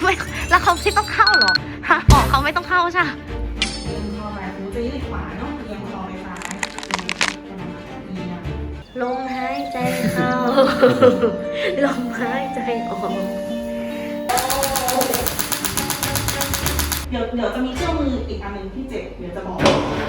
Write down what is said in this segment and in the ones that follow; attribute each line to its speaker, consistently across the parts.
Speaker 1: ไม่แล้วเขาไม่ต้องเข้าเหรอฮะบอกเขาไม่ต้องเข้าใช่
Speaker 2: เอียงคอไปหูจะยืดขวาเนาะเอียงคอไปซ้ายเอียง
Speaker 1: ลมหายใจเข้า ลมหายใจออก
Speaker 2: เดี๋ยวจะมีเครื่องมืออีกอันหนึ่งที่เจ็บเดี๋ยวจะบอก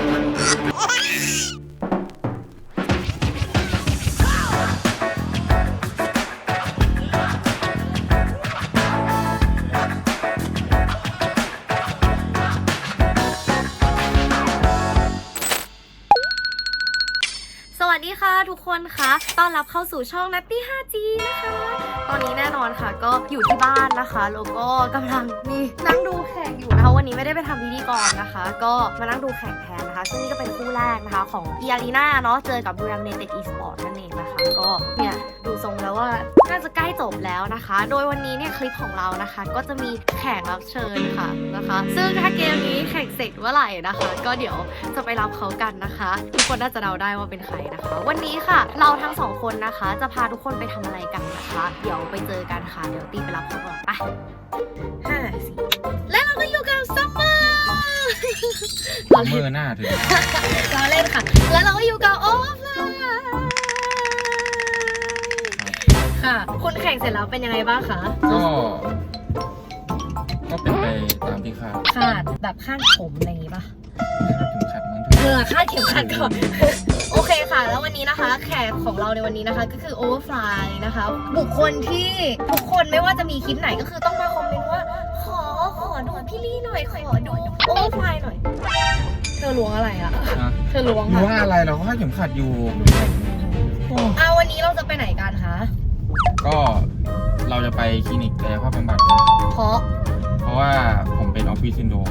Speaker 1: สวัสดีค่ะทุกคนคะต้อนรับเข้าสู่ช่องนัตตี้ 5G นะคะ ตอนนี้แน่นอนค่ะก็อยู่ที่บ้านนะคะแล้วก็กำลังนี่นั่งดูแข่งอยู่นะคะวันนี้ไม่ได้ไปทำพิธีกรนะคะ ก็มานั่งดูแข่งแทนนะคะซึ่งนี่ก็เป็นคู่แรกนะคะของอีอารีนาเนาะเจอกับบุรีรัมย์ยูไนเต็ดอีสปอร์ตนั่นเองนะคะก็เนี่ยดูทรงแล้วว่าน่าจะใกล้จบแล้วนะคะ โดยวันนี้เนี่ยคลิปของเรานะคะก็จะมีแขกรับเชิญค่ะนะคะ ซึ่งถ้าเกมนี้แข่งเสร็จเมื่อไหร่นะคะ ก็เดี๋ยวจะไปรับเขากันนะคะทุกคนน่าจะเดาได้ว่าเป็นใครนะคะวันนี้ค่ะเราทั้งสองคนนะคะจะพาทุกคนไปทำอะไรกันนะคะเดี๋ยวไปเจอกันค่ะเดี๋ยวตีไปรับเขาก่อนไป5 4และเราก็อยู่กับซัมเมอร์
Speaker 3: ซัมเมอร์หน้าถึง
Speaker 1: เราเล่นค่ะแล้วเราก็อยู่กับโอฟไลน์ค่ะคุณแข่งเสร็จแล้วเป็นยังไงบ้างคะ
Speaker 3: ก็เป็นไปตามที่คาด
Speaker 1: แบบคาดผมอะไรอย่างงี้ป่ะ
Speaker 3: ถึงขัดมัน
Speaker 1: คาดเข็มขัดก่อนโอเคค่ะแล้ววันนี้นะคะแขกของเราในวันนี้นะคะก็คือ Overfly นะคะบุคคลที่ทุกคนไม่ว่าจะมีคลิปไหนก็คือต้องมาคอมเมนต์ว่าขอดูพี่ลี่หน่อยขอดู Overfly หน่อยเธอล้วงอะไรอะเธอล้วง
Speaker 3: อะไรเราก็คาดเข็มขัดอยู่
Speaker 1: วันนี้เราจะไปไหนกันคะ
Speaker 3: ก็เราจะไปคลินิกกายภาพบำบัดเพราะว่าผมเป็นออฟฟิศซินโดรม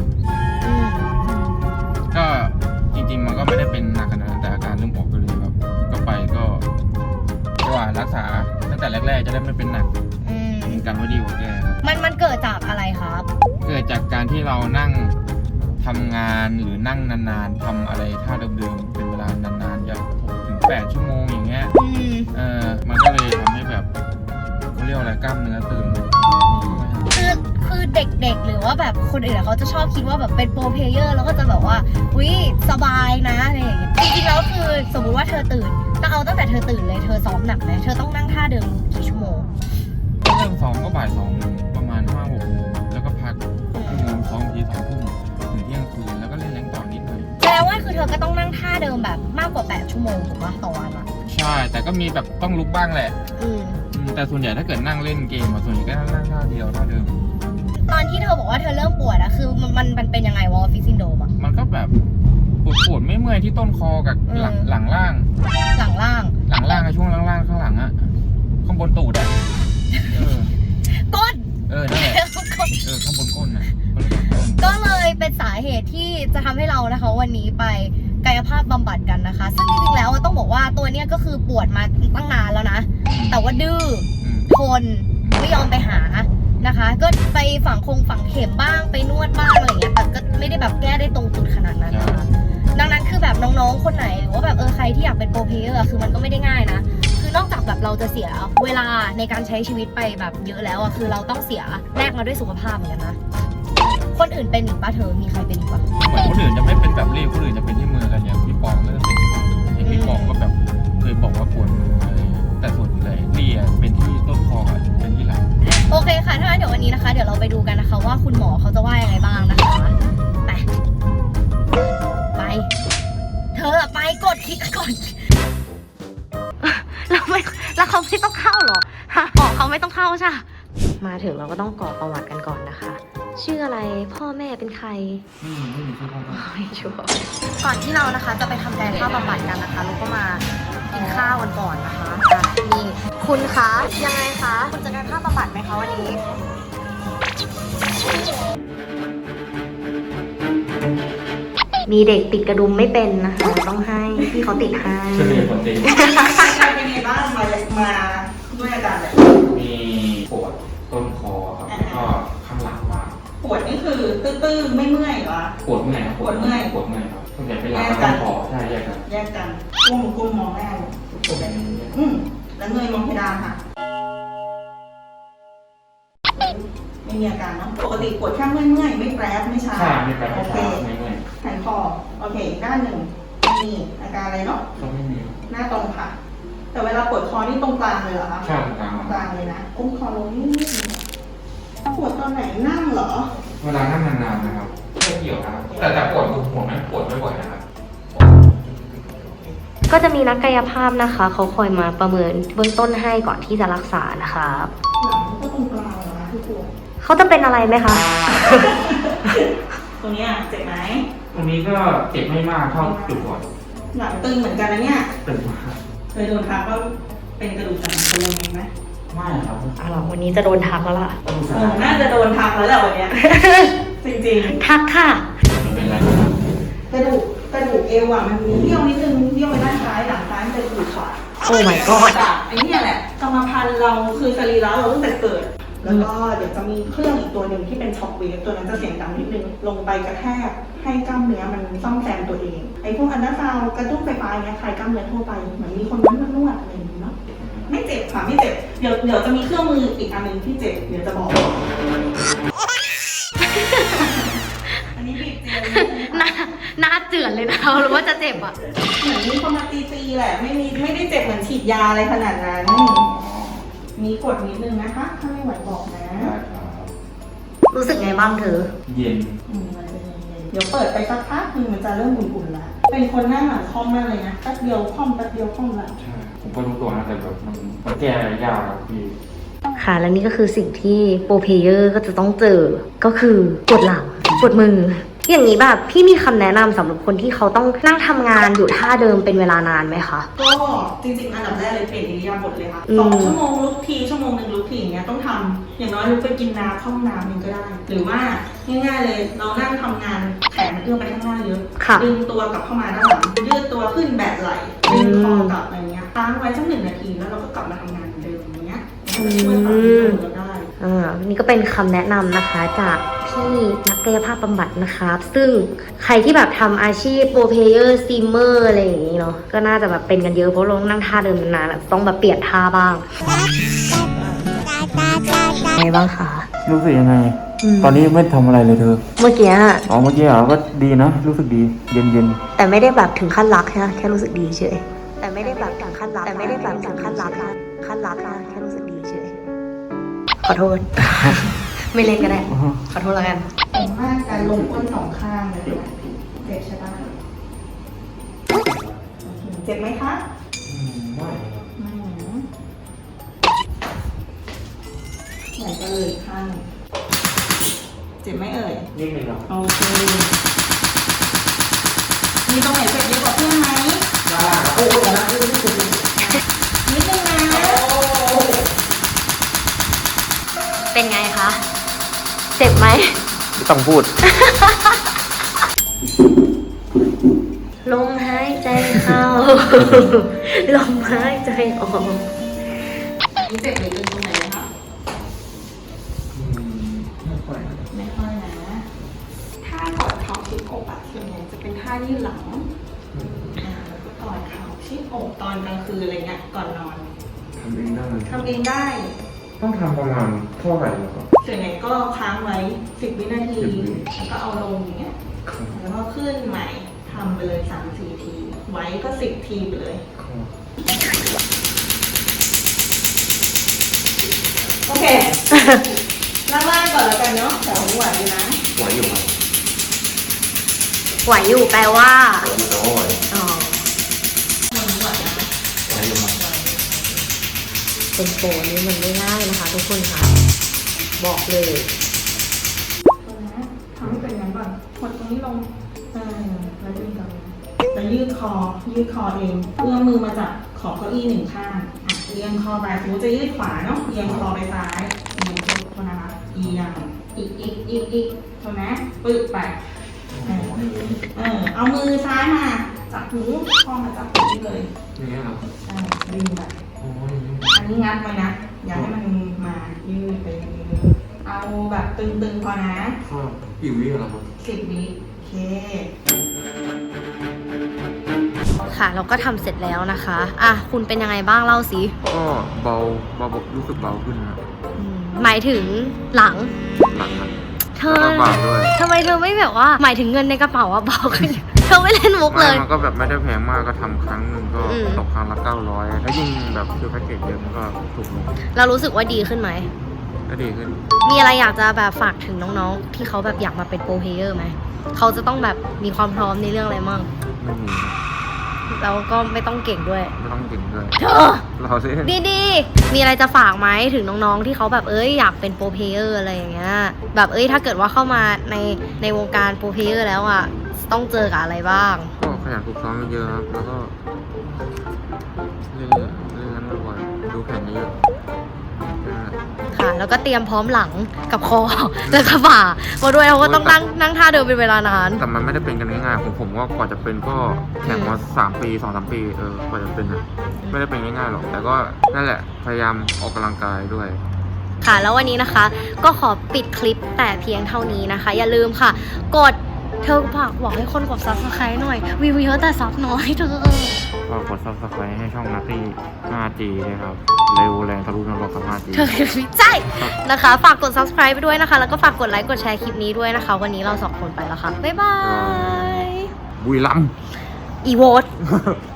Speaker 3: ก็จริงๆมันก็ไม่ได้เป็นหนักขนาดนั้นแต่อาการเริ่มออกไปเลยครับก็ไปก็ว่ารักษาตั้งแต่แรกๆจะได้ไม่เป็นหนักกันว่าดีกว่าแก้ครับ
Speaker 1: มันเกิดจากอะไรครับ
Speaker 3: เกิดจากการที่เรานั่งทำงานหรือนั่งนานๆทำอะไรท่าเดิมๆเป็นเวลานานๆอย่าง6 ถึง 8 ชั่วโมงอย่างเงี้ยมันก็เลยทำให้แบบเขาเรียกอะไรกล้ามเนื้อตึง
Speaker 1: คือเด็กๆหรือว่าแบบคนอื่นเขาจะชอบคิดว่าแบบเป็นโปรเพลเยอร์แล้วก็จะแบบว่าสบายนะอะไรอย่างเงี้ยจริงๆแล้วคือสมมุติว่าเธอตื่นตั้งแต่เธอตื่นเลยเธอซ้อมหนักไหมเธอต้องนั่งท่าเดิมกี่ชั่วโมง
Speaker 3: เริ่มซ้อมก็บ่าย 2ประมาณ 5-6 โมงแล้วก็พักชั่วโมงซ้อมที 2 ทุ่มถึงเที่ยงคืนแล้วก็เล่นแรงต่อนิดหน่อย
Speaker 1: แปลว่าคือเธอก็ต้องนั่งท่าเดิมแบบมากกว่า8 ชั่วโมงถูกปะต่อวันอะ
Speaker 3: ใช่แต่ก็มีแบบต้องลุกบ้างแหละแต่ส่วนใหญ่ถ้าเกิดนั่งเล่นเกมส่วนใหญ่ก็นั่งท่าเดียวท่าเดิม
Speaker 1: ตอนที่เธอบอกว่าเธอเริ่มปวดอะคือมันเป็นยังไงวะฟิซินโดมอะ
Speaker 3: มันก็แบบปวดไม่เมื่อยที่ต้นคอกับหลังล่างช่วงล่างข้างหลังอะข้างบนตูดอะ
Speaker 1: ก้น
Speaker 3: นั่นแหละข้างบนก้นนะ
Speaker 1: ก็เลยเป็นสาเหตุที่จะทำให้เรานะคะวันนี้ไปกายภาพบำบัดกันนะคะซึ่งจริงๆแล้วต้องบอกว่าตัวเนี้ยก็คือปวดมาตั้งนานแล้วนะแต่ว่าดื้อทนไม่ยอมไปหานะคะก็ไปฝังเข็มบ้างไปนวดบ้างอะไรอย่างเงี้ยแต่ก็ไม่ได้แบบแก้ได้ตรงจุดขนาดนั้นนะคะดังนั้นคือแบบน้องๆคนไหนหรือว่าแบบใครที่อยากเป็นโปรเพลเยอร์คือมันก็ไม่ได้ง่ายนะคือนอกจากแบบเราจะเสียเวลาในการใช้ชีวิตไปแบบเยอะแล้วอะคือเราต้องเสียแลกมาด้วยสุขภาพเหมือนกันนะคนอื่นเป็นอีกป่ะเธอมีใครเป็นอีกป่ะ
Speaker 3: เหมือนคนอื่นจะไม่เป็นแบบรีบคนอื่นจะเป็นที่มือกันอย่างพี่ปองก็จะเป็นที่มือพี่ปองก็แบบเคยบอกว่าปวดมืออะไรแต่ส่วนใหญ่รีเป็นที่ต้นคอเป็นที่หลัง
Speaker 1: โอเคค่ะถ้างั้นเดี๋ยววันนี้นะคะเดี๋ยวเราไปดูกันนะคะว่าคุณหมอเขาจะว่ายังไงบ้างนะคะไปเธอไปกดคลิกก่อนแล้วเขาไม่ต้องเข้าเหรอฮะบอกเขาไม่ต้องเข้าใช่มาถึงเราก็ต้องกรอกประวัติกันก่อนนะคะชื่ออะไรพ่อแม่เป็นใคร
Speaker 3: ไม่มีชื่อพ่อ
Speaker 1: ไม่ชัวร์ก่อนที่เรานะคะจะไปทำกายภาพบำบัดกันนะคะเราก็มากินข้าวกันก่อนนะคะนี่คุณคะยังไงคะคุณจะกายภาพบำบัดไหมคะวันนี้มีเด็กติดกระดุมไม่เป็นนะคะต้องให้พี่เขาติดให้
Speaker 3: ช่วยมีคนติด
Speaker 2: เป็นไงบ้างมาด้วยอาการแบบ
Speaker 3: มีปวดต้นคอครับแล้วก็ข้างหลังมา
Speaker 2: ปวดนี่คือตื้อๆไม่เมื่อยเหรอ
Speaker 3: ปวดเมื่อยครับปวดเมื่อยครับส่วนใหญ่เป็นหลังต้นคอใช่แยก
Speaker 2: กันก้มมองแม่แล้วเงยมองเพดานค่ะไม่มีอาการเนาะปกติปวดแค่เมื่อยๆไม่แปรบไม่ชา
Speaker 3: ใช่ไม่แปลก
Speaker 2: โอ
Speaker 3: ไม่
Speaker 2: เค
Speaker 3: ใช่ไม่ไม่
Speaker 2: หายคอโอเคอีกด้านหนึ่งไม่มีอาการอะไรเนาะ
Speaker 3: ก็ไม่มี
Speaker 2: หน้าตรงค่ะ แต่เวลาปวดคอนี่ตรงกลางเลยเหรอคะ
Speaker 3: ใช่กลาง
Speaker 2: กลางเลยนะก้มคอลงนิดนึงปวดตอนไหนนั่งเหรอ
Speaker 3: เวลานั่งนานๆนะครับไม่เกี่ยวนะครับแต่ปวดหัวไม่ปวดไม่บ่อยนะครับ
Speaker 1: ก็จะมีนักกายภาพนะคะเขาคอยมาประเมินเบื้องต้นให้ก่อนที่จะรักษานะคะ
Speaker 2: หลังก็ตรงกลางเหรอคะที่ปวด
Speaker 1: เขาจะเป็นอะไรไหมคะ
Speaker 2: ตรงเนี้ยเจ็บไหม
Speaker 3: ตรงนี้ก็เจ็บไม่มากเท่าจุดก่อน
Speaker 2: หลังตึงเหมือนกันนะเนี่ย
Speaker 3: ตึงมาก
Speaker 2: เคยโดนทักว่าเป็นกระดูกสันหลังตึงไหม
Speaker 3: ไม่ครับ
Speaker 1: อ่ะหรอวันนี้จะโดนทักแล้วล่ะ
Speaker 2: น่าจะโดนทักแล้วแหละวันเนี้ย จริง
Speaker 1: ทักค่ะ
Speaker 3: มันเป็นอะไรครับ
Speaker 2: ๆ กระดูกเอวอ่ะมันมีเบี้ยวนิดนึงเบี้ยวไปด้านซ้ายหลังซ้ายมันจะอยู่ขวา
Speaker 1: โอ้ my god
Speaker 2: จากไอ้เนี่ยแหละกรรมพันธุ์เราคือสรีระเราตั้งแต่เกิด แล้วก็เดี๋ยวจะมีเครื่องอีกตัวหนึ่งที่เป็นช็อคเวฟตัวนั้นจะเสียงดังนิดนึงลงไปกระแทกให้กล้ามเนื้อมันซ่อมแซมตัวเองไอ้พวกอันดาซาวด์กระตุ้นไฟฟ้าเนี่ยคลายกล้ามเนื้อทั่วไปเหมือนมีคนนวดอะไรอย่างนี้เนาะไม่เจ็บค่ะไม่เจ็บเดี๋ยวจะมีเครื่องมืออีกอันหนึงที่เจ็บเดี๋ยวจะบอก อันนี้บีบเจล
Speaker 1: หน้าเจือนเลยนะหรือว่าจะเจ็บอ่ะ
Speaker 2: เหมือนมีคนมาตีแหละไม่ได้เจ็บเหมือนฉีดยาอะไรขนาดนั้น มีกดนิดนึงนะคะ ถ้าไม่ไหวบอกนะ
Speaker 3: ได้ครับ
Speaker 1: รู้สึกไงบ้างเธอ
Speaker 3: เย็น
Speaker 2: มันจะเย็นๆเดี๋ยวเปิดไปสักพักนึงมันจะเริ่มอุ่นๆแล้ว เป็นคนหน้าหลังคล่อมมากเลยนะแป๊บเดียวคล่อมแป๊บเดียวคล่อมแล้ว
Speaker 3: ใช่ผมก็รู้ตัวนะแต่แบบมันแก้ยากครับพี่
Speaker 1: ค่ะ และนี่ก็คือสิ่งที่โปรเพลเยอร์ก็จะต้องเจอ ก็คือปวดหลังปวดมือ อย่างนี้แบบพี่มีคำแนะนำสำหรับคนที่เขาต้องนั่งทำงานอยู่ท่าเดิมเป็นเวลานานไหมคะ
Speaker 2: ก็จริงๆอันดับแรกเลยเปลี่ยนอิริยาบถเลยค่ะ
Speaker 1: อืม
Speaker 2: 2 ชั่วโมงลุกทีชั่วโมงหนึ่งลุกทีอย่างเงี้ยต้องทำอย่างน้อยลุกไปกินน้ำเข้าห้องน้ำนึงก็ได้ หรือว่าง่ายๆเลยเรานั่งทำงานแขนมันเอื้อมไปข้างหน้าเยอะ
Speaker 1: ค่ะ
Speaker 2: ดึงตัวกลับเข้ามาด้านหลังยืดตัวขึ้นแบะไหล่ดึงคอกลับอะไรเงี้ยค้างไว้สัก1 นาทีแล้วเราก็กลับมาทำงานเหมือนเดิมอย่างเงี้ยมันจะช่วยปรับตัวเราได้
Speaker 1: นี่ก็เป็นคำแนะนำนะคะจากพี่นักกายภาพบำบัดนะครับ ซึ่งใครที่แบบทำอาชีพโปรเพลเยอร์สตรีมเมอร์อะไรอย่างนี้เนาะก็น่าจะแบบเป็นกันเยอะเพราะเราต้องนั่งท่าเดิมนานๆอะต้องแบบเปลี่ยนท่าบ้างไงบ้างคะ
Speaker 3: รู้สึกยังไง
Speaker 1: อืม
Speaker 3: ตอนนี้ไม่ทำอะไรเลยเธอ
Speaker 1: เมื่อกี้อะ
Speaker 3: อ๋อเมื่อกี้เหรอก็ดีนะ รู้สึกดี เย็น
Speaker 1: แต่ไม่ได้แบบถึงขั้นรักนะแค่รู้สึกดีเฉยแต่ไม่ได้แบบถึงขั้นรักแต่ไม่ได้แบบถึงขั้นรักนะแค่รู้สึกดีเฉยขอโทษ ไม่เล่นก็ได้ ขอโทษแล้วกัน
Speaker 2: ผมว่าการลงก้น2 ข้างเลยนะเจ็บใช่ปะโอเคเจ็บไหมคะ
Speaker 3: ๆไม่
Speaker 2: ไม่นะไหนก็เลยข้างเจ็บไหมเอ่ย
Speaker 3: นิดนึงครับ
Speaker 2: โอเค มีตรงไหนเจ็บเยอะกว่าเพื่อนไหมโอ้โหนะนิดนึงนะ
Speaker 1: เป็นไงคะ เจ็บไหม
Speaker 3: ไม่ต้องพูด
Speaker 1: ลมหายใจเข้า ลมหายใจออก
Speaker 2: อันนี้เจ็บหรือตึงตรงไหนนะคะ
Speaker 3: ไม่ค่อย
Speaker 2: ไม่ค่อยนะถ้ากอดเข่าชิดอกอะส่วนใหญ่จะเป็นท่ายืดหลังแล้วก็กอดเข่าชิดอกตอนกลางคืนอะไรเงี้ยก่อนนอน
Speaker 3: ทำเองได้
Speaker 2: ทำเองได้
Speaker 3: ต้องทำประมาณเท่าไหร่ครับ
Speaker 2: ส่วนใหญ่ก็ค้างไว้10 วินาที
Speaker 3: 10 วิ
Speaker 2: แล้วก็เอาลงอย่างเงี้ย แล้วก็ขึ้นใหม่ทำไปเลย 3-4 ที ไว้ก็10 ทีไปเลย โอเค ล่างๆก่อนแล้วกันเนาะแต่ผมไหวอยู่นะ
Speaker 3: ไหวอยู่ครับ
Speaker 1: ไหวอยู่แปลว่า
Speaker 3: ไหวอยู่แต่ว่าไหว
Speaker 1: อ๋อ
Speaker 2: มันไหวนะ
Speaker 3: ไหวอยู่ครับ
Speaker 1: เป็นโปรนี้มันไม่ง่ายนะคะทุกคนคะบอกเลย
Speaker 2: ทำให้เป็นงั้นก่อนกดตรงนี้ลงแล้วดึงกลับมาจะยืดคอเองเอื้อมมือมาจับขอบเก้าอี้1 ข้างเอียงคอไปสมมติจะยืดขวาเนาะเอียงคอไปซ้ายเอียงโทษนะคะเอียงอีกโทษนะปึ๊บไปเอามือซ้ายมาจับหูคอมาจับหูเลย
Speaker 3: นี่ครับ
Speaker 2: ดึงไป
Speaker 3: โอ้ย
Speaker 2: อันนี้งัดไว้นะอย่าให้มันมายืดไปเอาแบบตึงๆพอนะ
Speaker 3: ครับกี่วิแล้วครับ
Speaker 2: 10 วิโอเค
Speaker 1: ค่ะเราก็ทำเสร็จแล้วนะคะอ่ะคุณเป็นยังไงบ้างเล่าสิ
Speaker 3: ก็เบารู้สึกเบาขึ้นครับ
Speaker 1: หมายถึงหลัง
Speaker 3: หนักมัน
Speaker 1: เธ
Speaker 3: แล้ว
Speaker 1: อ
Speaker 3: ก็บาปด้วย
Speaker 1: ทำไมเธอไม่แบบว่าหมายถึงเงินในกระเป๋าอะเบาขึ้น เธอไม่เล่นมุกเลย
Speaker 3: มันก็แบบไม่ได้แพงมากก็ทำครั้งหนึ่งก็
Speaker 1: อืม
Speaker 3: ตกครั้งละ900แล้วยิ่งแบบคือแพ็กเกจเยอะมันก็ถูกลง
Speaker 1: เรารู้สึกว่าดีขึ้นไหม
Speaker 3: ก็ดีขึ้น
Speaker 1: มีอะไรอยากจะแบบฝากถึงน้องๆ ที่เขาแบบอยากมาเป็นโปรเพลเยอร์ไหม เขาจะต้องแบบมีความพร้อมในเรื่องอะไรมั่ง
Speaker 3: ไม่มี
Speaker 1: แล้วก็ไม่ต้องเก่งด้วย
Speaker 3: ไม่ต้องเก่งด้วย
Speaker 1: เธอ
Speaker 3: เราสิ
Speaker 1: ดีๆ มีอะไรจะฝากไหมถึงน้องๆ ที่เขาแบบอยากเป็นโปรเพลเยอร์อะไรอย่างเงี้ย แบบถ้าเกิดว่าเข้ามาในวงการโปรเพลเยอร์แล้วอ่ะ ต้องเจอกับอะไรบ้าง
Speaker 3: ก็ขยันฝึกซ้อมเยอะครับแล้วก็เล่นนั้นบ่อยๆดูแข่งเยอะๆนั่นแหละ
Speaker 1: ค่ะ แล้วก็เตรียมพร้อมหลังกับคอ แล้วก็บ่ามาด้วยเราก็ต้องนั่งท่าเดิมเป็นเวลานาน
Speaker 3: แต่มันไม่ได้เป็นกันง่ายๆผมว่ากว่าจะเป็นก็แข่งมา3 ปี 2-3 ปีกว่าจะเป็นอะไม่ได้เป็นง่ายๆหรอกแต่ก็นั่นแหละพยายามออกกำลังกายด้วย
Speaker 1: ค่ะ แล้ววันนี้นะคะ ก็ขอปิดคลิปแต่เพียงเท่านี้นะคะ อย่าลืมค่ะ กดเธอบอกให้คนกด subscribe หน่อยวิวเยอะแต่ซับน้อยเธอ
Speaker 3: ก็กด subscribe ให้ช่องนัตตี้ 5G นะครับเร็วแรงทะลุนรกกับ 5G
Speaker 1: เธอคือวิจัยนะคะ ฝากกด subscribe ไปด้วยนะคะ แล้วก็ฝากกดไลค์กดแชร์คลิปนี้ด้วยนะคะ วันนี้เราสองคนไปแล้วค่ะ บ๊ายบาย
Speaker 3: บุรีรัมย์
Speaker 1: อีโวต